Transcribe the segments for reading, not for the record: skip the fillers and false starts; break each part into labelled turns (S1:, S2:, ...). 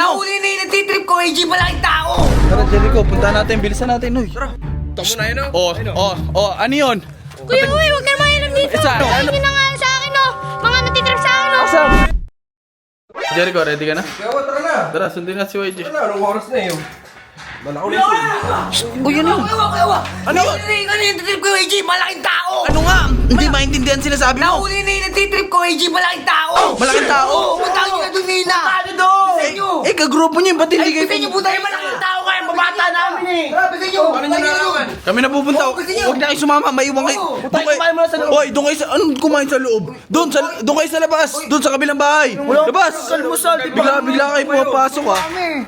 S1: Nahuli na yung nagtitrip ko, AJ, malaking tao!
S2: Tara, Jericho, punta natin. Bilisan natin, uy. Tara.
S3: Tamo na yun,
S2: Ano yun?
S4: Kuya Uy, huwag ka naman dito.
S2: Isa, ano?
S4: Ayun na nga sa akin, oh. Mga natitrip sa akin, oh.
S2: Asa? Jericho, ready ka na?
S3: Kaya tara na.
S2: Tara, sundin na si YG.
S3: Anong oras na yun? Malakaw na yun.
S2: Uy, ano yun?
S1: Ewa!
S2: Ano yun?
S1: Nahuli na yung nagtitrip ko, AJ, malaking tao!
S2: Ano nga? Hindi maintindihan sinasabi mo.
S1: Nahuli na yung nagtitrip ko, AJ, malaking tao!
S2: Malaking tao?
S1: Oo, punta nyo na doon, Nina! Ano doon? Bisa nyo!
S2: Kagrupo niyo, ba't hindi kayo?
S1: Bisa nyo, punta yung malaking tao kayo, babata namin eh! Tara, bisa nyo!
S3: Ano nyo nalaman?
S2: Kami na pupunta.
S1: Oo, gusto niyo.
S2: Huwag na kayo sumama, maiwan kayo.
S1: Oo,
S2: Doon kayo.
S1: kumain muna sa loob.
S2: Hoy, doon kayo sa... Anong kumain sa loob? Doon kayo sa labas. Doon sa kabilang bahay. Labas. Bigla kayo pumapasok, ha.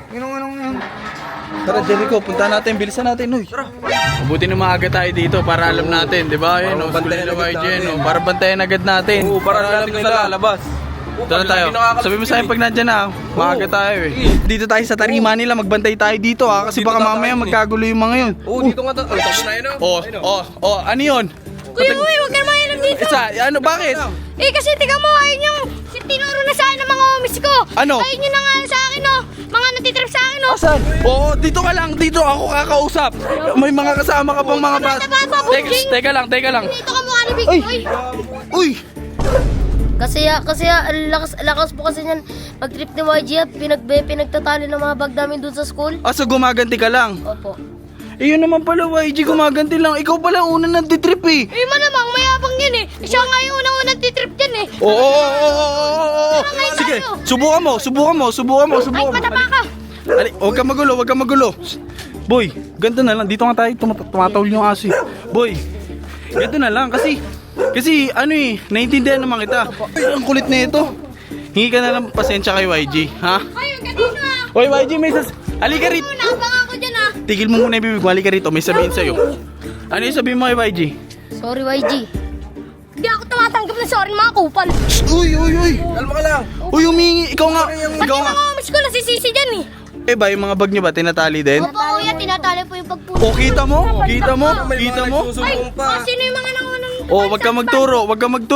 S2: Tara, Jericho, punta natin. Bilisan natin, uy. Tara. Mabuti na maaga tayo dito para alam natin, di ba? Ayun, bantayan na YG, no? Para bantayan agad natin.
S3: Oo, para alam nila lalabas.
S2: Doon na tayo. Sabi mo sa akin pag nandyan na, maaga tayo eh. Dito tayo sa tarima nila, magbantay tayo dito, ha. Kasi
S3: Dito
S2: baka
S3: na
S2: mamaya
S3: tayo,
S2: magkagulo yung mga yun.
S3: Oo, dito nga tayo. Tamo na yun,
S2: Ano yun?
S4: Kuya Uy, huwag ka naman dito.
S2: Ano, bakit?
S4: Eh, kasi tiga mo, ayun yung tinuro na sa akin ng mga homies ko.
S2: Ano?
S4: Ayun yun na nga sa akin, oh. Mga natitrip sa akin, oh.
S2: Asan? Oo, dito ka lang. Dito ako kakausap. May mga kasama ka pang mga bata. Teka lang.
S4: Dito ka mukha ni Big
S2: Ay!
S4: Boy.
S2: Uy!
S5: Kasi ang lakas po kasi niyan mag-trip ni YG at pinagtatali ng mga bag namin dun sa school.
S2: So gumaganti ka lang.
S5: Opo.
S2: Eh yun naman pala YG, gumaganti lang. Ikaw pala una nagtitrip eh.
S4: Eh, malamang mayabang yan, eh. Siya nga yung unang-unang titrip dyan, eh.
S2: Oo. Sige, subukan mo.
S4: Ay, patapa ka.
S2: Ali, huwag kang magulo. Boy, ganito na lang. Dito nga tayo, tumatawal yung aso eh. Boy, ganito na lang kasi ano eh, naiintindihan naman kita. Ay, ang kulit na ito. Hingi ka na lang pasensya kay YG, ha?
S4: Ayun, kanina, ah.
S2: Hoy YG, halika rito.
S4: Nakabang ako dyan, ah.
S2: Tigil mo muna yung bibig mo, halika rito, may sabihin sa'yo. Ano yung sabihin mo kay YG?
S5: Sorry YG.
S4: Hindi ako tumatanggap ng sorry, mga kupal.
S2: Uy!
S3: Kalma ka lang.
S2: Uy, humingi, ikaw nga.
S4: Pati mga homies ko nasisisi dyan, eh.
S2: Eh ba, yung mga bag niyo ba, tinatali din?
S4: Opo, kuya, tinatali po yung pagpuno.
S2: O, kita mo?
S4: Ay,
S3: Susumbong pa.
S4: sino yung mga nangunang...
S2: Oh, wag ka magturo.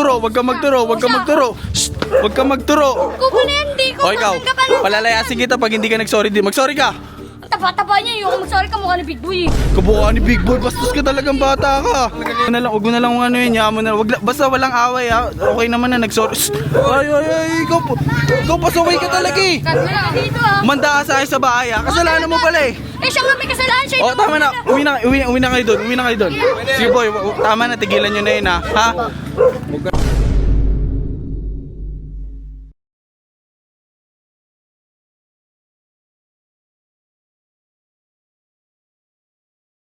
S2: Shh, wag ka magturo.
S4: Kupal na yan, di ko
S2: O, ikaw,
S4: tatanggapan.
S2: palalayasin kita pag hindi ka nag-sorry din. Mag-sorry ka.
S4: Tapa-tapa niya, yung mag-sorry ka mukha ni Big Boy, eh.
S2: Kabuka ni Big Boy, bastos ka talagang bata ka. Huwag mo na lang kung ano yun, yaman mo na. Basta walang away ha. Okay naman na nag-sorry. Shh. Ay, ikaw pasaway ka talaga eh.
S4: Kagala dito, ah.
S2: Manda ka sa akin sa bahay ha. Kasalanan mo pala eh.
S4: Eh, siya nga may kasalanan siya.
S2: Oh, tama na. Uwi na kayo doon. Sige boy, tama na. Tigilan nyo na yun ha. Ha?